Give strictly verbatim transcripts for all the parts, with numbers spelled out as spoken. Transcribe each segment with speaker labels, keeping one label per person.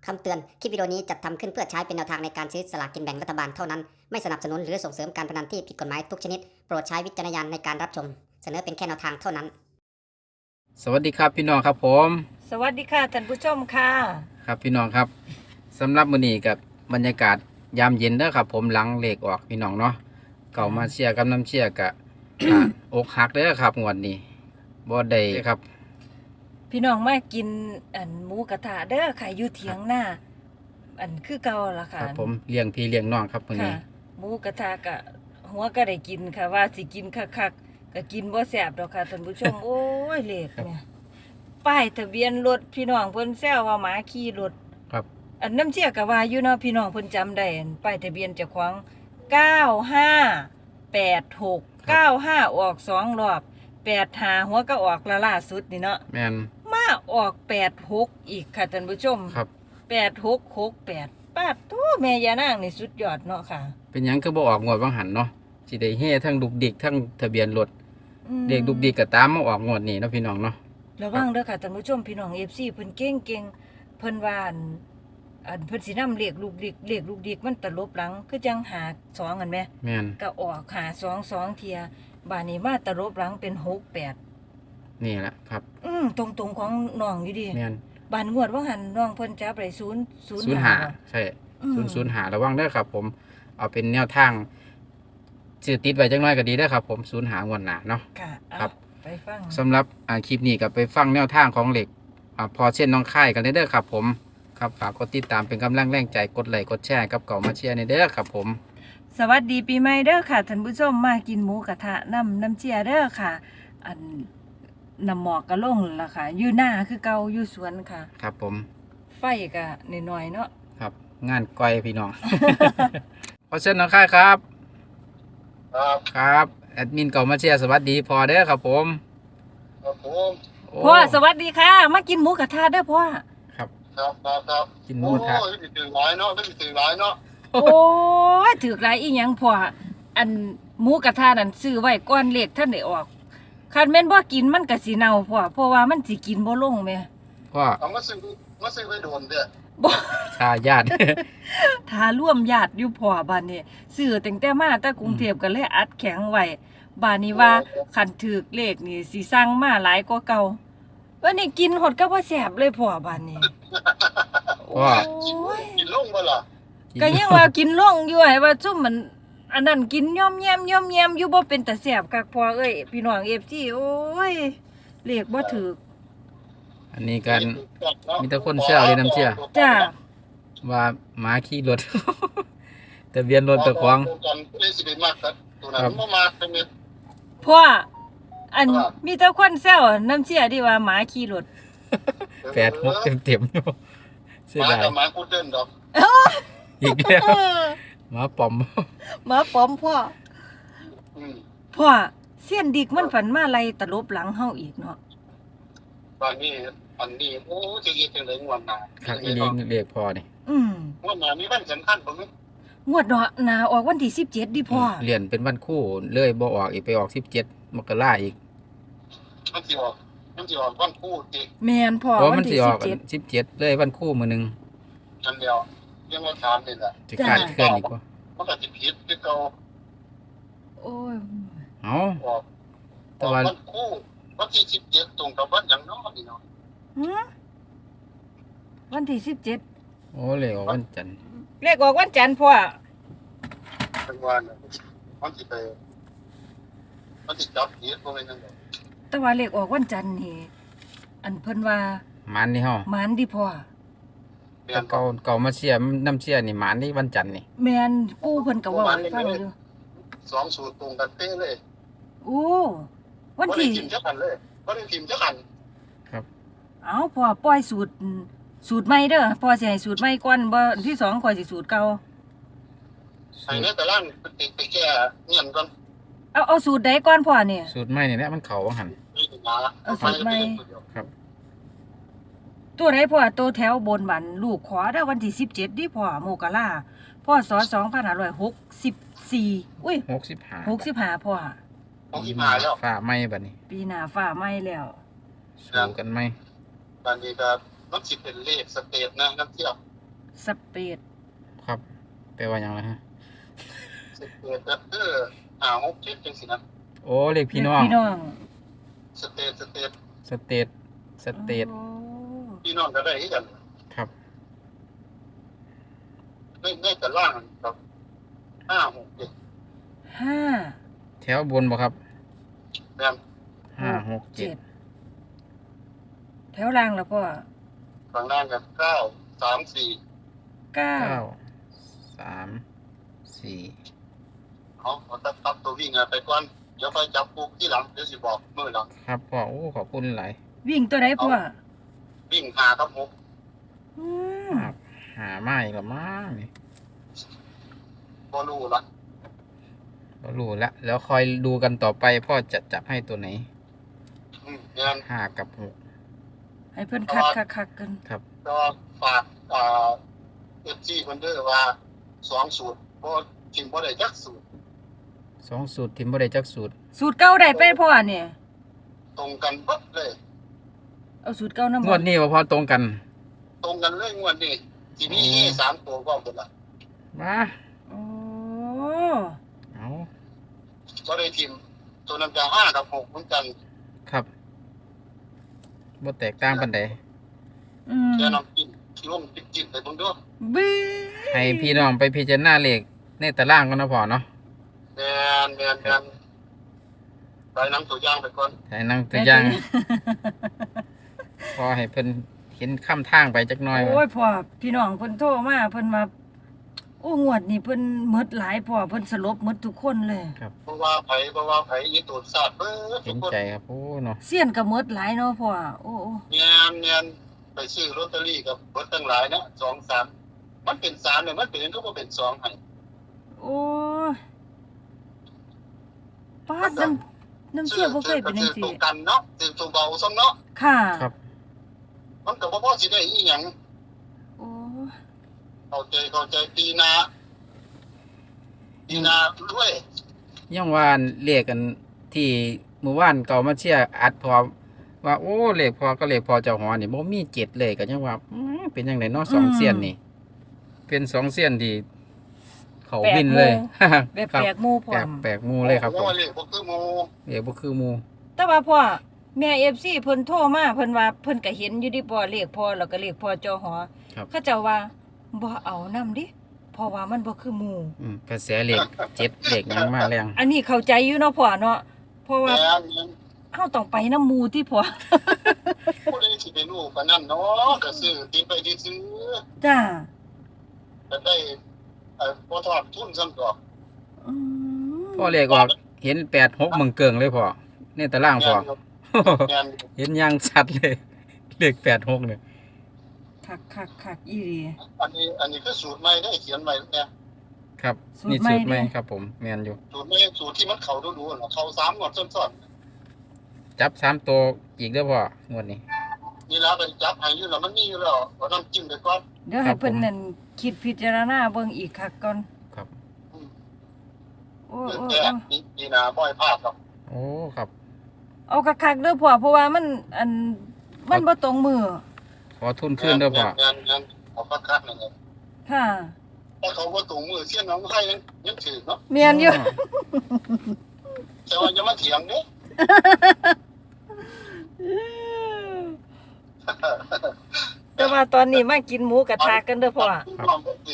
Speaker 1: คำเตือน คลิปวิดีโอนี้จัดทำขึ้นเพื่อใช้เป็นแนวทางในการซื้อสลากกินแบ่งรัฐบาลเท่านั้น ไม่สนับสนุนหรือส่งเสริมการพนันที่ผิดกฎหมายทุกชนิด โปรดใช้วิจารณญาณในการรับชม เสนอเป็นแค่แนวทางเท่านั้น
Speaker 2: สวัสดีครับพี่น้องครับผม
Speaker 3: สวัสดีค่ะท่านผู้ชมค่ะ
Speaker 2: ครับพี่น้องครับสำหรับมื้อนี้กับบรรยากาศยามเย็นเด้อครับผมหลังเลขออกพี่น้องเนาะเก่ามาเชียร์กับน้ำเชียร์กะ อ่าอกหักเด้อครับงวดนี้บ่ได้ครับ
Speaker 3: พี่น้องมากินอันหมูกระทะเด้อค่ะอยู่เถียงหน้า อันคือเก่าล่ะ
Speaker 2: ค
Speaker 3: ค่ะ
Speaker 2: รับผมเลี้ยงพี่เลี้ยงน้องครับมื้อ
Speaker 3: ค่ะ
Speaker 2: นี้
Speaker 3: หมูกระทะกะหัวก็ได้กินค่ะว่าสิกินคักๆก็กินบ่แซ่บดอกค่ะท่านผู้ชม โอ้ยเลขเนี่ยป้ายทะเบียนรถพี่น้องเพิ่นแซวว่าหมาขี่รถ
Speaker 2: ครับ
Speaker 3: อันน้ำเชี่ยก็ว่าอยู่เนาะพี่น้องเพิ่นจำได้อันป้ายทะเบียนเจ้าของเก้าห้าแปดหก เก้าห้าออกสองรอบแปดห้าหัวก็ออกละล่าสุดนี่เนาะ
Speaker 2: แม่น
Speaker 3: มาออกแปดหกอีกค่ะท่านผู้ชม
Speaker 2: ครับ
Speaker 3: แปดหกหกแปดปาดโตแม่ยานางนี่สุดยอดเนาะค่ะ
Speaker 2: เป็นหยังคือบ่ออกงวดบางหันเนาะสิได้เฮทั้งดุกดิกทั้งทะเบียนรถ
Speaker 3: อืม
Speaker 2: เด็กดุกดิกก็ตามมาออกงวดนี้เนาะพี่น้องเนาะ
Speaker 3: ระวังเด้อค่ะท่านผู้ชมพี่น้อง เอฟ ซี เพิ่นเก่งๆเพิ่นว่าอันอันเพิ่นสินำเลขลูกดิกเลขลูกดิกมันตลบหลังคือจังหาสองกันแหม
Speaker 2: แม่น
Speaker 3: ก็ออกหาสองสองเทียบาดนี้มาตลบหลังเป็นหกแปด
Speaker 2: นี่แหละครับ
Speaker 3: อืมตรงๆของน้องอยู่ดิ
Speaker 2: แม่น
Speaker 3: บานงวดว่าหันน้องเพิ่นจับได้ศูนย์ศูนย์
Speaker 2: ศูนย์
Speaker 3: ห้า
Speaker 2: หาใช่
Speaker 3: อืม
Speaker 2: ศูนย์ศูนย์หาระวังเด้อครับ ผมเอาเป็นแนวทางชื่อติดไว้จังน้อยก็ดีเด้อครับผมศูนย์หางวดหน้าเนาะ
Speaker 3: ค่ะเอา
Speaker 2: ครับ
Speaker 3: ไปฟัง
Speaker 2: สำหรับอ่าคลิปนี้ก็ไปฟังแนวทางของเหล็กอ่าพอเช่นน้องค่ายกันเด้อครับผมครับฝากกดติดตามเป็นกำลังแรงใจกดไลค์กดแชร์กับเก่ามาเชียร์ในเด้อครับผม
Speaker 3: สวัสดีปีใหม่เด้อค่ะท่านผู้ชมมากินหมูกระทะน้ำน้ำเจียเด้อค่ะ อันน้ำหมอกกระลงล่ะค่ะอยู่หน้าคือเก่าอยู่สวนค่ะ
Speaker 2: ครับผม
Speaker 3: ไฟก็น้อยๆเนาะ
Speaker 2: ครับงานก้อยพี่น้อง พอเช่นน้องค่ายครับ
Speaker 4: ครับ
Speaker 2: ครับแอดมินเก่ามาเชียร์สวัสดีพอเด้อครับผม
Speaker 4: ครับผม
Speaker 2: โอ้
Speaker 3: พ่อสวัสดีค่ะ มากินหมูกระทะเด้อพ่อ
Speaker 2: ครับ
Speaker 4: ครับครับครับ
Speaker 2: กินหมู
Speaker 4: โอ้
Speaker 2: กระทะ
Speaker 4: ยไม่ตื่นร้ายเนาะไม่ตื่นร้ายเนาะ
Speaker 3: โอ้ยถือกหลายอีหยังพ่ออันหมูกระทะนั่นซื้อไว้ก่อนเลขท่านได้ออกคันแม่นบ่กินมันก็สิเน่าพ่อเพราะว่ามันสิกินบ่ลงแม่
Speaker 2: พ่อ
Speaker 4: เอามาซื้อมาซื้อไปโดนเด้อ
Speaker 3: บ่
Speaker 2: ชาญาติ
Speaker 3: ถ้าร่วมญาติอยู่พ่อบ้านนี้ซื้อตั้งแต่มาแต่กรุงเทพก็เลยอัดแข็งไว้บ้านนี้ว่าคันถือกเลขนี่สิสั่งมาหลายกว่าเก่าวันนี้กินหดก็บ่แซ่บเลยพ่อบ้านนี้
Speaker 2: พ่อ
Speaker 4: กิน
Speaker 3: โอ้ย
Speaker 4: กินลงบ่ล่ะ
Speaker 3: ก็ยังว่ากินลงอยู่ให้ว่าซุ่มมันอันนั้นกินย่อมแยมย่อมแยมอยู่บ่เป็นตาแซ่บคักพ่อเอ้ยพี่น้อง เอฟ ซี โอ้ยเลขบ่ถูก
Speaker 2: อันนี้กันมีแต่คนเชื่อเลยน้ำเชื่อ
Speaker 3: จ้า
Speaker 2: ว่าหมาขี่รถ ทะเบียนรถตะควง
Speaker 4: กันเลยสิไปมากครับตัวนั้นบ่มาเป็นเม็ด
Speaker 3: พ่ออัน
Speaker 4: ครับ
Speaker 3: มีแต่คนแซวน้ำเชื่อที่ว่าหมาขี่รถ
Speaker 2: แปดหกเต็มเต็มๆอยู่เสีย
Speaker 4: มา
Speaker 2: ดาย
Speaker 4: กับมากูเดินดอก
Speaker 2: อีกแล้วหมาปอม
Speaker 3: หมาปลอมพ่อ
Speaker 4: อืม
Speaker 3: พ่อเสี้ยนดิกมันฝันมาไล่ตลบหลังเฮาอีกเนาะ
Speaker 4: ตอนนี้อันนี้โอ้จะเฮ็ดจังได๋งวดหน้า
Speaker 2: ครับอีลีเรียกพอนี่
Speaker 3: อืม
Speaker 4: งวดหน้ามีวันสำคัญบ่มั้ย
Speaker 3: งวดเนาะหนาออกวันที่สิบเจ็ดดิพ่อ
Speaker 2: เรียนเป็นวันคู่เลยบ่ออกอีกไปออกสิบเจ็ดมกราอีก
Speaker 4: มันสิออกมันสิออกวันคู่ติ
Speaker 3: แม่นพ่อ
Speaker 2: เพราะ
Speaker 3: วั
Speaker 2: มัน
Speaker 3: น
Speaker 2: สิ
Speaker 3: ที่
Speaker 2: อ
Speaker 3: สิ
Speaker 2: อบ ก
Speaker 3: เจ็ด
Speaker 2: สิบเจ็ดเลยวันคู่มือหนึง
Speaker 4: อันเดียวยังว่าถามนี่แหละ
Speaker 2: จะขาดเคลื่อนอีกว่า
Speaker 4: มันก็สิผิดคือเก่า
Speaker 3: โอ้ย
Speaker 2: เอ้า
Speaker 4: ออก
Speaker 2: แต่ว่า
Speaker 4: วันคู่วันที่สิบเจ็ดตรงกับวันหยังเนาะนี่เนาะ
Speaker 3: หือวันที่สิบเจ็ด
Speaker 2: โอ้เลยออกวันจันทร์
Speaker 3: เลขออกวันจันทร์พ่อ
Speaker 4: เป็นวันน่ะมันสิไปมันสิจับผิดบ่แม่นจังได๋
Speaker 3: แต่ว่าเลขออกวันจันทร์นี่อันเพิ่นว่า
Speaker 2: หมันนี่เฮา
Speaker 3: หมานดิพ่อ
Speaker 4: แม่
Speaker 2: แต่
Speaker 4: นบ่
Speaker 2: เก่าเก่ามาเชียร์น้ำเชียร์นี่หมันนี่วันจันทร์นี่
Speaker 3: แม่นปู่เพิ่นก็เว้าให้ฟังอยู่
Speaker 4: สองสูตรตรงกันเป๊ะเลย
Speaker 3: โอ้วัน
Speaker 4: บ่ได้
Speaker 3: ที่
Speaker 4: พิมพ์จักอันเลยบ่ได้พิมพ์จักอัน
Speaker 3: เอ้าพ่อปล่อยสูตรสูตรใหม่เด้อพ่อสิให้สูตรใหม่ก่อนบ่อันที่สองข่อยสิสูตรเก่า
Speaker 4: ให้ในตารางไปติดไปแก้เงียนก่อน
Speaker 3: เอาเอาสูตรใดก่อนพ่อเนี่ย
Speaker 2: สูตรใหม่นี่แหละมันเข้าว่าหั่น
Speaker 4: นี่ถึงมา
Speaker 3: เอาสูตรใหม่
Speaker 2: ครับ
Speaker 3: ตัวไหนพ่อตัวแถวบนบันลูกขอเด้อวันที่สิบเจ็ดดิพ่อโมกะลาพ่อสอสองพันห้าร้อยหกสิบสี่อุ้ย
Speaker 2: หกสิบห้า
Speaker 3: หกสิบห้าพ่อ
Speaker 4: ของที่มาแล้ว
Speaker 2: ฟ้าไหม้บัดนี้
Speaker 3: ปีหน้าฟ้าไหม้แล้ว
Speaker 2: สู้กันไหม
Speaker 4: ตอนนี้ก็มันสิเป็นเลขสเตทนะนักเที่ยว
Speaker 3: สเปด
Speaker 2: ครับแปลว่าหยังล่ะฮะ
Speaker 4: สเตตก็คือห้าหกเจ็ดจังสินะ
Speaker 2: โอ้เลขพี่น้อง
Speaker 3: พี่น้อง
Speaker 4: สเตตสเตต
Speaker 2: สเตทสเตท
Speaker 3: โอ้
Speaker 4: พี่น้องก็ได้ที่กัน
Speaker 2: ครับ
Speaker 4: ในในตารางครับห้าหกเจ็ด
Speaker 3: ห้า
Speaker 2: แถวบนบ่ครับ
Speaker 4: แม่น
Speaker 2: ห้าหกเจ็ด
Speaker 3: แถวล่างแล้วพ่อ
Speaker 4: ฝั่งล่างกันเก้าสามสี่
Speaker 3: เก้า
Speaker 2: เก้าสามสี่
Speaker 4: เอาเอาตัดตัดตัววิ่งอะไปก่อนเดี๋ยวไปจับปุ๊กที่หลังเดี๋ยวสิบอกมือหลัง
Speaker 2: ครับพ่อโอ้ขอบคุณหลาย
Speaker 3: วิ่งตัวไหนพ่อ
Speaker 4: วิ่งหาครับหก
Speaker 3: อืม
Speaker 2: ครับหาไม้ละมั้งนี่
Speaker 4: บอลูละ
Speaker 2: ก็รู้แล้วแล้วคอยดูกันต่อไปพ่อจะจับให้ตัวไหน
Speaker 4: อืมงาน
Speaker 2: ห้ากับหก
Speaker 3: ให้เพิ่นคักคักคักกัน
Speaker 2: ครับ
Speaker 4: ก็ฝากอ่าเอฟซีคนเดอร์ว่าสองสูตรเพราะทีมบ่ได้จักสูตร
Speaker 2: สองสูตรทิมบ่ได้จักสูตร
Speaker 3: สูตรเก่าได้ไปพ่อเนี่ย
Speaker 4: ตรงกันปั๊บเลย
Speaker 3: เอาสูตรเก่านำ
Speaker 2: งวดนี้ว่าพอตรงกัน
Speaker 4: ตรงกันเลยงวดนี้ทีนี้
Speaker 2: อืม
Speaker 4: สามตัวก็หมดละ
Speaker 2: มา
Speaker 3: โอ้
Speaker 2: เอา
Speaker 4: ก็ได้ทีมตัวนั้นจะห้ากับหกเหมือนกัน
Speaker 2: ครับบ่แตกต่างปานใด
Speaker 3: อืม
Speaker 4: แค่น้ำจิ้มที่ร่มจิ้มจิ้มไปเบิ่งเด้วย
Speaker 3: บื้อ
Speaker 2: ให้พี่น้องไปพิจารณาเลขในตารางกันนะพ่อเนาะ
Speaker 4: แมนแมนแมนไปน้ำตัวอย่างไปก่อน
Speaker 2: ให้นั่งตัวอย่าง พอให้เพิ่นเห็นค่ำทางไปจักหน่อย
Speaker 3: โอ้ยพ่อพี่น้องเพิ่นโทรมาเพิ่นมาโอ้งวดนี่เพิ่นหมดหลายพ่อเพิ่นสลบหมดทุกคนเลย
Speaker 4: เพราะว่าไผเพราะว่าไผอีตูดสาดเบิด
Speaker 2: เห็
Speaker 4: ทุก
Speaker 2: น
Speaker 4: คน
Speaker 2: ใจครับโอ้เนาะ
Speaker 3: เสี้ยนก็หมดหลายเนาะพ่อโอ้โอ้
Speaker 4: แมนแมนไปซื้อลอตเตอรี่กับเบิดตั้งหลายนะสองสามมันเป็นสามเนี่ยมันเป็นก็บ่เป็นสองให้
Speaker 3: โอ้ยป้าดน้ำน้ำเชี่ยวบ่เคยเป็นจัง
Speaker 4: ซื้อ
Speaker 3: ซี่
Speaker 4: ตัวกันเนาะซื้อตัวเบาซ้ำเนาะ
Speaker 3: ค่ะ
Speaker 2: ครับ
Speaker 4: มันก็บ่พอสิได้อีหยัง
Speaker 3: โอ้ย
Speaker 4: เข้าใจเข้าใจปีหน้าปีหน้าด้วย
Speaker 2: ยังว่าเลขกันที่เมื่อวานเก่ามาเชียร์อัดพอว่าโอ้เลขพอก็เลขพอเจ้าหอนี่บ่มีเจ็ดเลยก็ยังว่าอืมเป็นจังไดเนาะสองเสี้ยนนี่ เป็นสองเสี้ยนที่เขาบินเลย
Speaker 3: แบบ
Speaker 2: ครับ
Speaker 3: แปลกหมู่พร้
Speaker 2: แปล
Speaker 3: อก ม
Speaker 2: แปลกหมูเลยครับผม
Speaker 4: ว่าเลขบ่คือหมู่
Speaker 2: เลขบ่คือหมู
Speaker 3: แต่ว่าพ่อแม่ เอฟ ซี เพิ่นโทรมาเพิ่นว่าเพิ่นก็เห็นอยู่ดิพ่อเลขพ่อแล้วก็เลขพ่อจอหอ
Speaker 2: ครับ
Speaker 3: เขาเจ้าว่าบ่เอานำดิเพราะว่ามันบ่คือหมู่
Speaker 2: อืมกระแสเลขเจ็ดเลขหยังมาแรง
Speaker 3: อันนี้เข้าใจอยู่เนาะพ่อเนาะเพราะ
Speaker 4: แม
Speaker 3: ว่าน
Speaker 4: แม่น
Speaker 3: เฮาต้องไปนำหมู่ที่พ่อ
Speaker 4: ผู้ใดสิไปรู้ปานนั้นเนาะก็ซื้อติดไปซื้อ
Speaker 3: จ้า
Speaker 4: ก็ได้เอ่อบ่ทอดทุนซ้ำดอก
Speaker 3: อืม
Speaker 2: พ่อเลขออกเห็นแปดหกมึงเกิงเลยพ่อในตารางพ่อ
Speaker 4: แม่น
Speaker 2: เห็นอยังชัดเลย เลขแปดหกเนี่ย
Speaker 3: คักๆๆอีหลี
Speaker 4: อันนี้อันนี้คือสูตรใหม่ได้เขียนใหม่เนี่ย
Speaker 2: ครับ
Speaker 3: สูตร
Speaker 2: นี่
Speaker 3: ใหม่
Speaker 2: สูตรใหม่
Speaker 3: เด้
Speaker 2: ครับผมแมนอยู่
Speaker 4: สูตรใหม่สูตรที่มันเข้าดูๆน่ะเข้าสามงวดซ้อน
Speaker 2: จับสามตัวอีกเด้อพ่องวดนี้
Speaker 4: ๆนี่แล้วก็จับให้อยู่แล้วมันมีอยู่แล้วเอาน้ำจิ้มไปก่อน
Speaker 3: เดี๋ยว
Speaker 2: ครั
Speaker 3: ให้
Speaker 2: บ
Speaker 3: เพิ่น
Speaker 2: ผม
Speaker 3: นั่นคิดพิจารณาเบิ่งอีกคักก่อน
Speaker 2: ครับ
Speaker 4: อืม
Speaker 3: โอ้
Speaker 4: เพื่อ
Speaker 3: โอ้
Speaker 4: แก้
Speaker 3: โอ้
Speaker 4: นี่นี่นาบ่อยพลาดหรอก
Speaker 2: โอ้ครับ
Speaker 3: เอาคักๆเด้อพ่อเพราะว่ามันอันมันบ่ตรงมือ
Speaker 2: ขอทุนขึ้นเด้อพ่อ
Speaker 4: งานงานเอาคักๆนั่นแหละ
Speaker 3: ค่ะ
Speaker 4: ถ้าเขาว่าตรงมือเสี้ยนน้องให้ยังยังถือเนาะ
Speaker 3: เมียนอยู่
Speaker 4: แต่ว่าจะมาเถียงเด้
Speaker 3: แต่ว่าตอนนี้มากินหมูกระทะกันเด้อพ่อ
Speaker 4: ความก็คือ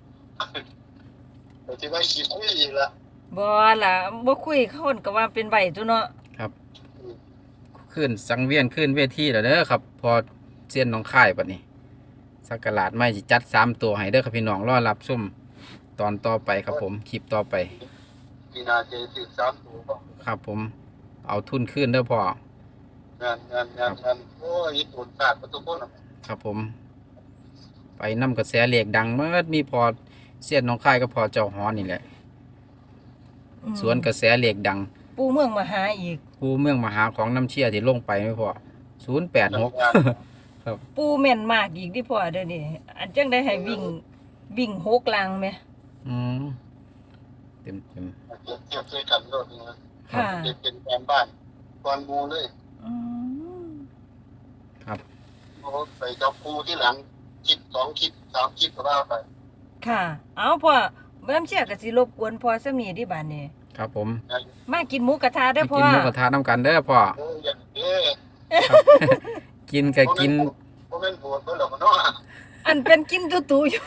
Speaker 4: แต่ที่ว่าคิดไม่อีกละ
Speaker 3: บ่ล่ะบ่คุยเขาคนก็ว่าเป็นใบตัวเนาะ
Speaker 2: ครับขึ้นสังเวียนขึ้นเวทีแล้วเด้อครับ พอเสี้ยนน้องค่ายบัดนี้สักกะลาดไม่สิจัดสามตัวให้เด้อครับพี่น้องรอรับชมตอนต่อไปครับผมคลิปต่อไป
Speaker 4: ปีนาเจสิบสามตัวก็
Speaker 2: ครับผมเอาทุนขึ้นเด้อพ่อง
Speaker 4: านงานงานงานโอ้ยตูดขาดประตูคนอ่ะ
Speaker 2: ครับผม ไปนำกระแสเหล็กดังเมื่อมีพอเสี้ยนน้องค่ายก็พอเจ้าหอนี่แหละ
Speaker 3: อืม
Speaker 2: สวนกระแสเหล็กดัง
Speaker 3: ปูเมืองมาหาอีก
Speaker 2: ผู้เมืองมหาของน้ำเชี่ยที่ลงไปไม่พอศูนย์แปดหก
Speaker 3: ปูแม่นมากอีกที่พ่อเด้อนี่อันจังได้ให้วิ่งวิ่งหกลังแหม
Speaker 2: อืมเต็มเต็ม
Speaker 4: เทียบเทียบด้วยกันก็เป็น
Speaker 3: ค่ะ
Speaker 4: เป็นแฟนบ้านก่อนมูเลย
Speaker 3: อืม
Speaker 2: ครับ
Speaker 4: โอ้ไปจับปูที่หลังคิดสองคิดสามคิดก็ว่าไป
Speaker 3: ค่ะ เอาพ่อน้ำเชี่ยก็สิรบกวนพ่อซะมีที่บ้านนี่
Speaker 2: ครับผม
Speaker 4: นะ
Speaker 3: มากินหมูกระทะเด้อ
Speaker 2: ไป
Speaker 3: พ่อ
Speaker 2: กินหมูกระทะน้ำกันเด้อพ่อ
Speaker 4: เอออย่างเด้อ
Speaker 2: กินก็กิน
Speaker 4: เพราะแม่นโบดเพิ่นหรอกเนาะ
Speaker 3: อันเป็นกินตุๆอยู่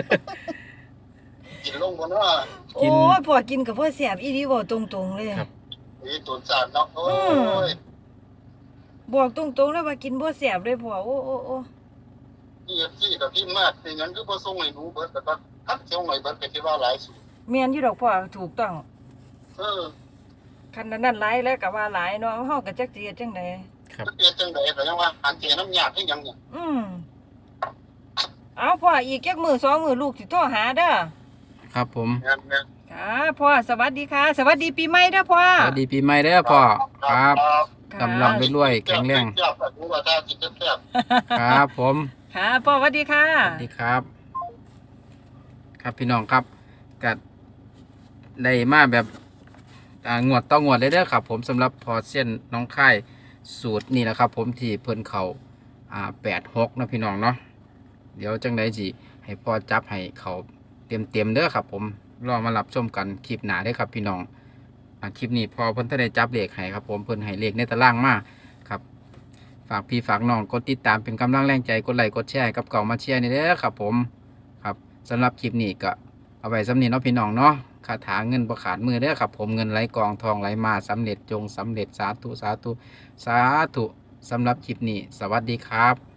Speaker 4: กินลงบ่เนาะ
Speaker 3: โอ้ยพ่อกินกับพ่อแซ่บอีหลีเว้าตรงๆเลย
Speaker 2: ครับ
Speaker 4: นี่ตุนสารเนาะโอ้ย
Speaker 3: บอกตรงๆเลยว่ากินบ่แซ่บเลยพ่อโอ้โอ้โอ้
Speaker 4: นี่ซี่กับพี่มากเป็นงั้นคือบ่ส่งให้หนูเบิดแต่ว่าคัดส่งให้เบิดก็สิว่าหลายสุด
Speaker 3: แม่นอยู่ดอกพ่อถูกต้อง
Speaker 4: เออ
Speaker 3: คันนั้นหลายแล้วก็ว่าหลายเนาะเฮาก็จักสิเฮ็ดจังได๋
Speaker 2: ครับ
Speaker 4: มันเป็นจังได๋ก็ยังว่าอันเทน้ำยาดให้ยังเนี่ย
Speaker 3: อืมเอาพ่ออีกจักมื้อสองมื้อลูกสิโทรหาเด้อ
Speaker 2: ครับผม
Speaker 4: แม่นแม่น
Speaker 3: ค่ะพ่อสวัสดีค่ะ สวัสดีปีใหม่เด้อพ่อ
Speaker 2: สวัสดีปีใหม่เด้อพ่อครับ
Speaker 3: ค่ะ
Speaker 2: กำลังรวยๆแข็งแรง
Speaker 4: แซ่บๆรู้ว่าถ้ากินแซ่บ
Speaker 2: ครับผม
Speaker 3: ค่ะพ่อสวัสดีค่ะ
Speaker 2: สวัสดีครับ ครับพี่น้องครับกัดได้มาแบบอ่างวดต่องวดเลยเด้อครับ ผมสำหรับพอเส้นน้องค่ายสูตรนี่แหละครับ ผมที่เพิ่นเขาอ่าแปดหกนะพี่น้องเนาะเดี๋ยวจังไดจีให้พ่อจับให้เขาเต็มเต็มๆเด้อครับ ผมรอมารับชมกันคลิปหน้าเด้อครับ พี่น้องอ่าคลิปนี้พอเพิ่นถ้าได้จับเลขให้ครับ ผมเพิ่นให้เลขในตารางมาครับ ฝากพี่ฝากน้องกดติดตามเป็นกำลังแรงใจกดไลค์กดแชร์ให้กับเก่ามาเชียร์นี่เด้อครับ ผมครับสำหรับคลิปนี้ก็เอาไว้สำนีเนาะพี่น้องเนาะคาถาเงินประขาดมือเด้อครับ ผมเงินไหลกองทองไหลมาสำเร็จจงสำเร็จสาธุสาธุสาธุสำหรับคลิปนี้ สวัสดีครับ